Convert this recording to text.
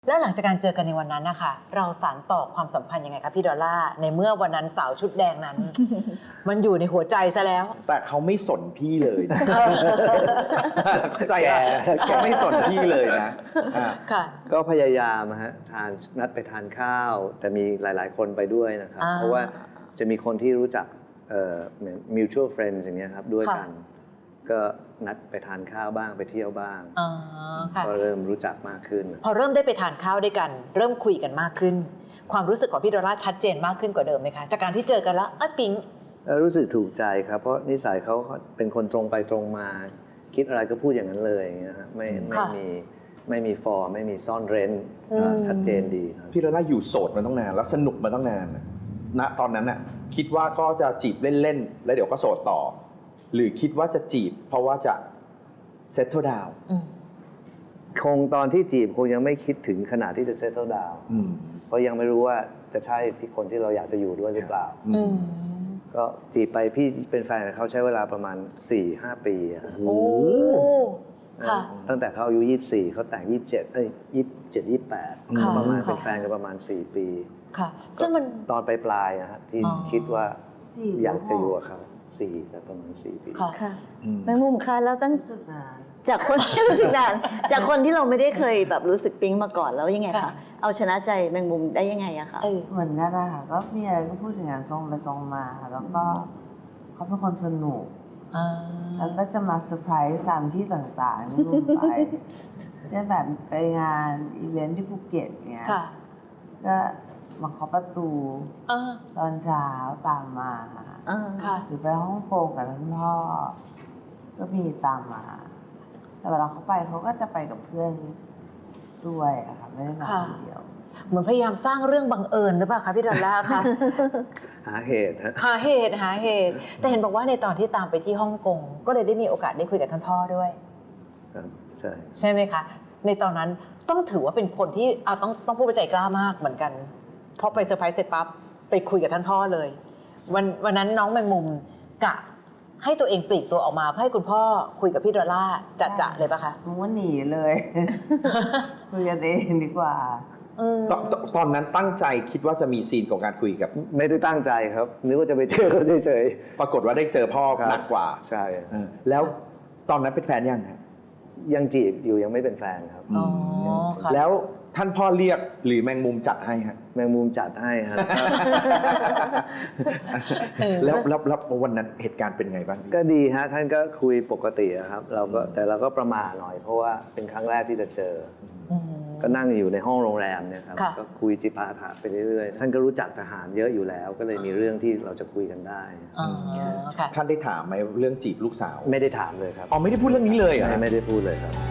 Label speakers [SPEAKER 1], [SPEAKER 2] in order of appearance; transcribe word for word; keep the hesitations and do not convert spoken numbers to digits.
[SPEAKER 1] แล้วหลังจากการเจอกันในวันนั้นนะคะเราสานต่อความสัมพันธ์ยังไงคะพี่ดอลล่าในเมื่อวันนั้นสาวชุดแดงนั้น มันอยู่ในหัวใจซะแล้ว
[SPEAKER 2] แต่เขาไม่สนพี่เลยนะ เข้าใจอ่ะเขาไม่สนพี่เลยนะอ่ะ
[SPEAKER 1] ค่ะ
[SPEAKER 3] ก็พยายามฮะทานนัดไปทานข้าว แต่มีหลาย ๆ คนไปด้วยนะครับ
[SPEAKER 1] อ่า
[SPEAKER 3] เพราะว่าจะมีคนที่รู้จักเอ่อเหมือน mutual friends อย่างเงี้ยครับด้วยกัน ก็นัดไปทานข้าวบ้างไปเที่ยวบ้าง
[SPEAKER 1] อ๋อค่ะ
[SPEAKER 3] ก็เริ่มรู้จักมากขึ้น
[SPEAKER 1] พอเริ่มได้ไปทานข้าวด้วยกัน เริ่มคุยกันมากขึ้น ความรู้สึกของพี่ดอลล่าชัดเจนมากขึ้นกว่าเดิมไหมคะจากการที่เจอกันแล้วเอ้ยปิ๊ง
[SPEAKER 3] แล้วรู้สึกถูกใจครับ เพราะนิสัยเขาเป็นคนตรงไปตรงมา คิดอะไรก็พูดอย่างนั้นเลยอย่างเงี้ยฮะไม่ไม่
[SPEAKER 1] ค่ะ
[SPEAKER 3] มีไม่มีฟอร์มไม่มีซ่อนเร้น
[SPEAKER 1] อืม
[SPEAKER 3] ชัดเจนดีครับ
[SPEAKER 2] พี่ดอลล่าอยู่โสดมาตั้งนานแล้วสนุกมาตั้งนานนะณตอนนั้นน่ะคิดว่าก็จะจีบเล่นๆแล้วเดี๋ยวก็โสดต่อ หรือคิดว่าจะจีบเพราะว่าจะ settle down
[SPEAKER 1] อืม
[SPEAKER 3] คงตอนที่จีบคงยังไม่คิดถึงขนาดที่จะ settle down
[SPEAKER 2] อืม
[SPEAKER 3] เพราะยังไม่รู้ว่าจะใช่ที่คนที่เราอยากจะอยู่ด้วยหรือเปล่า
[SPEAKER 1] อืม
[SPEAKER 3] ก็จีบไปพี่เป็นแฟนกับเขาใช้เวลาประมาณ สี่ห้า ปีอะครับ
[SPEAKER 1] โอ้ค่ะ
[SPEAKER 3] ตั้งแต่เขาอายุยี่สิบสี่เขาแต่งยี่สิบเจ็ดเอ้ยยี่สิบเจ็ด ยี่สิบแปด
[SPEAKER 1] ค่ะ
[SPEAKER 3] ประมาณ
[SPEAKER 1] ค่ะ
[SPEAKER 3] เป็นแฟนกันประมาณ สี่ ปี
[SPEAKER 1] ค่ะ ซึ่งมัน
[SPEAKER 3] ตอนปลายๆอะฮะที่
[SPEAKER 1] อ๋อ
[SPEAKER 3] คิดว่า
[SPEAKER 4] สี่
[SPEAKER 3] อยากจะอยู่กับเขาสี่แต่ประมาณ สี่ ปี
[SPEAKER 1] ค่ะ
[SPEAKER 5] ค่ะ
[SPEAKER 2] อืม
[SPEAKER 5] แมงมุมคะแล้วตั้ง
[SPEAKER 4] รู้สึกนาน
[SPEAKER 5] จากคน รู้สึกนานจากคนที่เราไม่ได้เคยแบบรู้สึกปิ๊งมาก่อนแล้วยังไง
[SPEAKER 1] ค่ะ
[SPEAKER 5] คะเอาชนะใจแมงมุมได้ยังไงอะคะ
[SPEAKER 1] เออ
[SPEAKER 4] เหมือนกันนะคะก็มีอะไรก็พูดอย่างนั้นตรงไปตรงมา แล้วก็เขาเป็นคนสนุก
[SPEAKER 1] อ่า
[SPEAKER 4] แล้วก็จะมาเซอร์ไพรส์ตามที่ต่างๆที่ลุงไปเช่นแบบไปงานอีเวนท์ที่ภูเก็ตเนี้ย
[SPEAKER 1] ค่ะ
[SPEAKER 4] ก็มาเคาะประตู
[SPEAKER 1] อ่า
[SPEAKER 4] ตอนเช้าตามมา
[SPEAKER 5] อ่า
[SPEAKER 1] ค่ะ
[SPEAKER 4] หรือไปฮ่องกงกับท่านพ่อ ก็มีตามมา แต่เวลาเขาไปเขาก็จะไปกับเพื่อนด้วยอะค่ะไม่ได้มาคนเดียว
[SPEAKER 1] เหมือนพยายามสร้างเรื่องบังเอิญหรือเปล่าคะพี่ดอลล่าคะ
[SPEAKER 3] หาเหตุฮะ
[SPEAKER 1] หาเหตุหาเหตุ แต่เห็นบอกว่าในตอนที่ตามไปที่ฮ่องกงก็เลยได้มีโอกาสได้คุยกับท่านพ่อด้วย
[SPEAKER 3] ครับใช่
[SPEAKER 1] ใช่ไหมคะ ในตอนนั้นต้องถือว่าเป็นคนที่เอาต้องต้องพูดว่าใจกล้ามากเหมือนกันพอไปเซอร์ไพรส์เสร็จปั๊บไปคุยกับท่านพ่อเลย วันวันนั้นน้องแมงมุมกะให้ตัวเองปลีกตัวออกมาเพื่อให้คุณพ่อคุยกับพี่ดอลล่าจะจะเลยปะคะ
[SPEAKER 4] มึงว่าหนีเลย คุยกันเองดีกว่า
[SPEAKER 1] อืม
[SPEAKER 2] ตอนตอนตอนนั้นตั้งใจคิดว่าจะมีซีนของการคุยกับ
[SPEAKER 3] ไม่ได้ตั้งใจครับนึกว่าจะไปเจอเขาเฉย
[SPEAKER 2] ปรากฏว่าได้เจอพ่อ
[SPEAKER 3] ๆครับ
[SPEAKER 2] หนักกว่า
[SPEAKER 3] ใช่
[SPEAKER 2] เออแล้วตอนนั้นเป็นแฟนยังฮะ
[SPEAKER 3] ยังจีบอยู่ยังไม่เป็นแฟนครับ
[SPEAKER 1] อ๋อค่ะ
[SPEAKER 2] แล้วท่านพ่อเรียกหรือแมงมุมจัดให้ฮะ
[SPEAKER 3] แมงมุมจัดให้ฮะ
[SPEAKER 1] เออ
[SPEAKER 2] แล้วแล้วแล้ววันนั้นเหตุการณ์เป็นไงบ้างพี่
[SPEAKER 3] ก็ดีฮะท่านก็คุยปกติอะครับเราก็แต่เราก็ประมาทหน่อยเพราะว่าเป็นครั้งแรกที่จะเจอ
[SPEAKER 1] อืม
[SPEAKER 3] ก็นั่งอยู่ในห้องโรงแรมเนี่ยครับ
[SPEAKER 1] ค่ะ
[SPEAKER 3] ก็คุยจิปาถะไปเรื่อยๆท่านก็รู้จักทหารเยอะอยู่แล้ว ก็เลยมีเรื่องที่เราจะคุยกันได้
[SPEAKER 1] อ๋อค่ะ
[SPEAKER 2] ท่านได้ถามไหมเรื่องจีบลูกสาว
[SPEAKER 3] ไม่ได้ถามเลยครับ
[SPEAKER 2] อ๋อไม่ได้พูดเรื่องนี้เลยเหรอ
[SPEAKER 3] ไม่
[SPEAKER 2] ฮะ
[SPEAKER 3] ไม่ได้พูดเลยครับ